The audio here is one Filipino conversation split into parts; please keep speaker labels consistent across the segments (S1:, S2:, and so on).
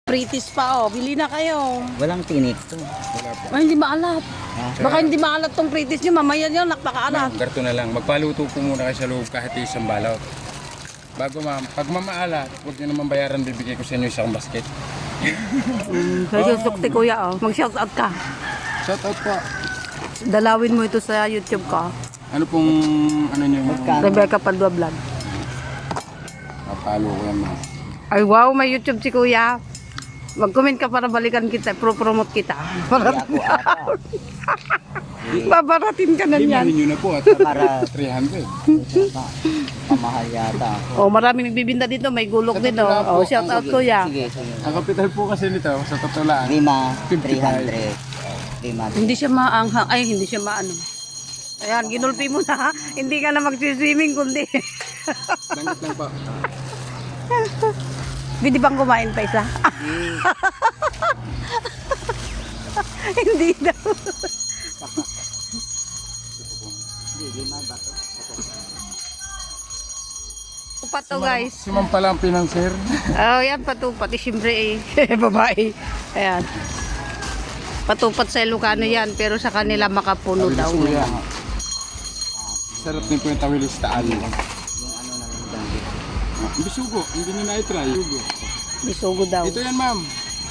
S1: Pritis pa oh. Bili na kayo.
S2: Walang tinik to.
S3: Wala po.
S1: Ay, hindi maalat.
S2: Ha?
S1: Baka hindi maalat tong pritis nyo. Mamaya nyo, nakpakaalat.
S3: Ma'am, ganito na lang. Magpaluto po muna kayo sa loob kahit isang balot. Bago ma'am, pag mamaalat, huwag nyo naman bayaran, bibigay ko sa inyo isang basket.
S1: Susukti kuya oh. Mag-shout out ka.
S3: Shout out po.
S1: Dalawin mo ito sa YouTube ko.
S3: Ano pong, ano nyo?
S1: Rebecca Padua Vlog.
S3: Papalo ko yan ma'am.
S1: Ay wow, may YouTube si kuya. Mag-comment ka para balikan kita, pro-promote kita.
S2: Kaya ako ata.
S1: Babaratin ka na
S3: Limahin
S1: niyan.
S3: nyo na po at
S2: Para
S3: 300.
S2: pamahal yata.
S1: Oh, maraming nagbibinda dito, may gulok din oh. Oh, shout out kuya.
S2: Sige, sige.
S3: Ang kapital po kasi nito, sa totoo lang,
S2: 5,
S3: 55.
S2: 300. 5.
S1: Hindi siya maanghang, ay hindi siya maano. Ayan, ginulpi mo na. Hindi ka na mag-swimming kundi.
S3: Langit lang po.
S1: Pwede bang kumain pa isa? Hindi daw.
S2: Hindi, 5 ba to?
S1: Upat to guys.
S3: Si ma'am pala ang pinanser.
S1: Oh, yan patupat. Siyempre eh, babae. Ayan. Patupat sa Ilocano yan, pero sa kanila makapuno daw.
S3: Tawilis po yan. Sarap din po yung tawilis taal.
S2: Yung ano na lang danggit.
S3: Bisugo, hindi nyo na-try. Bisugo.
S1: Bisugo daw.
S3: Ito yan ma'am.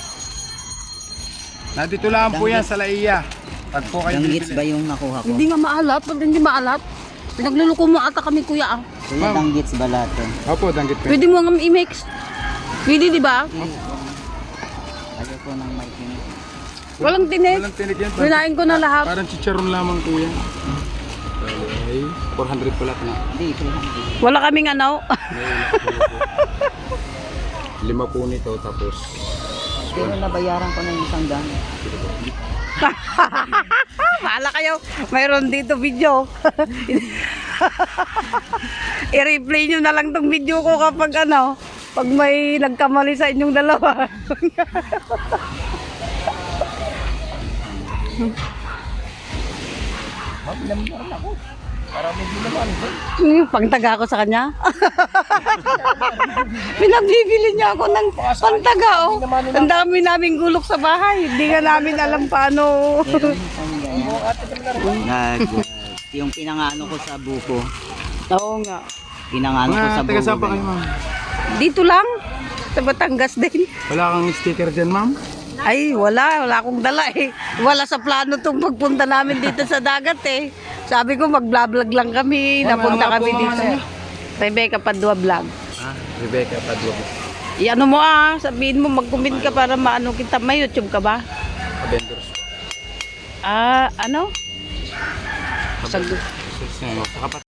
S3: Nandito lang po yan sa Laiya. Pag po kayo
S2: Danggits ba
S3: bibili.
S2: yung nakuha ko?
S1: Hindi nga maalat. Pag hindi maalat, pinagluluko mo ata kami kuya ah.
S2: Kuya,
S3: Ma'am.
S2: danggits ba lahat to?
S3: Opo, danggit po.
S1: Pwede mo nga i-mix. Pwede di ba?
S2: Ayoko nang may tinik.
S1: Walang tinik.
S3: Walang tinig yan.
S1: Pinain ko na lahat.
S3: Parang chicharon lamang po yan. Okay. 400 pala ito na.
S2: Hindi, 300.
S1: Wala kaming ano.
S3: Lima po nito tapos
S2: Pero nabayaran ko na yung isang daan.
S1: Mahala kayo. Mayroon dito video. I-replay nyo na lang tong video ko kapag ano. Pag may nagkamali sa inyong dalawa. Pangtaga ako sa kanya. Pinagbibili niya ako ng pangtaga. Oh. Ang dami naming gulok sa bahay. Hindi nga namin alam paano.
S2: Meron isang ganyan. Yung pinangano ko sa buko.
S1: Oo nga.
S2: Pinangano ko sa
S3: mga taga
S2: buko.
S3: saan pa kayo ma'am?
S1: Dito lang. Sa Batangas din.
S3: Wala kang sticker dyan ma'am?
S1: Ay, wala. Wala akong dala eh. Wala sa plano itong pagpunta namin dito sa dagat eh. Sabi ko mag-vlog lang kami. Napunta kami dito. Rebecca Padua Vlog.
S3: Ah, Rebecca Padua.
S1: Iano mo ah. Sabihin mo mag-comment ka para maano kita. May YouTube ka ba?
S3: Avengers.
S1: Ah, ano? Sa
S3: Sa kapat.